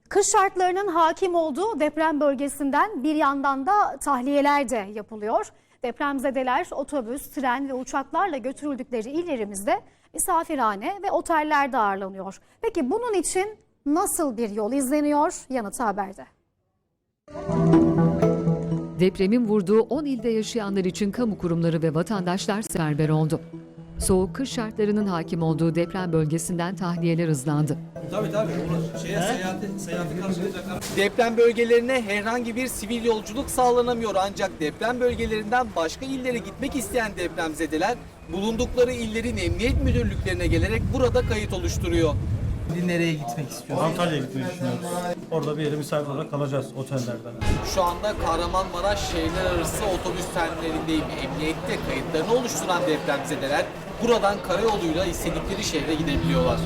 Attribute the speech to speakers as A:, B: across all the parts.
A: Kış şartlarının hakim olduğu deprem bölgesinden bir yandan da tahliyeler de yapılıyor. Depremzedeler otobüs, tren ve uçaklarla götürüldükleri illerimizde misafirhane ve otellerde ağırlanıyor. Peki bunun için nasıl bir yol izleniyor? Yanıtı haberde.
B: Depremin vurduğu 10 ilde yaşayanlar için kamu kurumları ve vatandaşlar seferber oldu. Soğuk kış şartlarının hakim olduğu deprem bölgesinden tahliyeler hızlandı.
C: Tabii. Seyahati karşılayacaklar.
D: Deprem bölgelerine herhangi bir sivil yolculuk sağlanamıyor, ancak deprem bölgelerinden başka illere gitmek isteyen depremzedeler bulundukları illerin emniyet müdürlüklerine gelerek burada kayıt oluşturuyor.
C: Nereye gitmek istiyorsun?
E: Antalya'ya gitmeyi düşünüyoruz. Orada bir yere misafir olarak kalacağız otellerden.
D: Şu anda Kahramanmaraş şehirler arası otobüs terminalindeyim. Emniyette kayıtlarını oluşturan depremzedeler buradan karayoluyla istedikleri şehre gidebiliyorlar.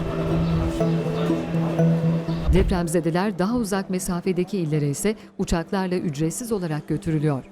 B: Depremzedeler daha uzak mesafedeki illere ise uçaklarla ücretsiz olarak götürülüyor.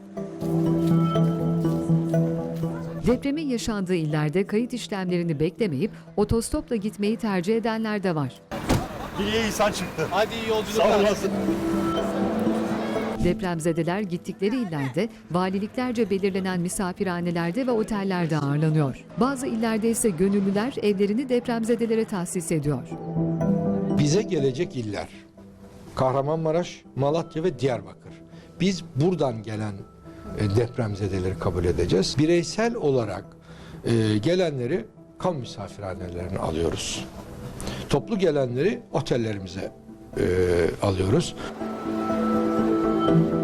B: Depremin yaşandığı illerde kayıt işlemlerini beklemeyip otostopla gitmeyi tercih edenler de var.
E: Bir insan çıktı.
D: Hadi iyi yolculuklar.
E: Sağ olasın.
B: Depremzedeler gittikleri illerde valiliklerce belirlenen misafirhanelerde ve otellerde ağırlanıyor. Bazı illerde ise gönüllüler evlerini depremzedelere tahsis ediyor.
F: Bize gelecek iller Kahramanmaraş, Malatya ve Diyarbakır. Biz buradan gelen depremzedeleri kabul edeceğiz. Bireysel olarak gelenleri kamu misafirhanelerine alıyoruz. Toplu gelenleri otellerimize alıyoruz.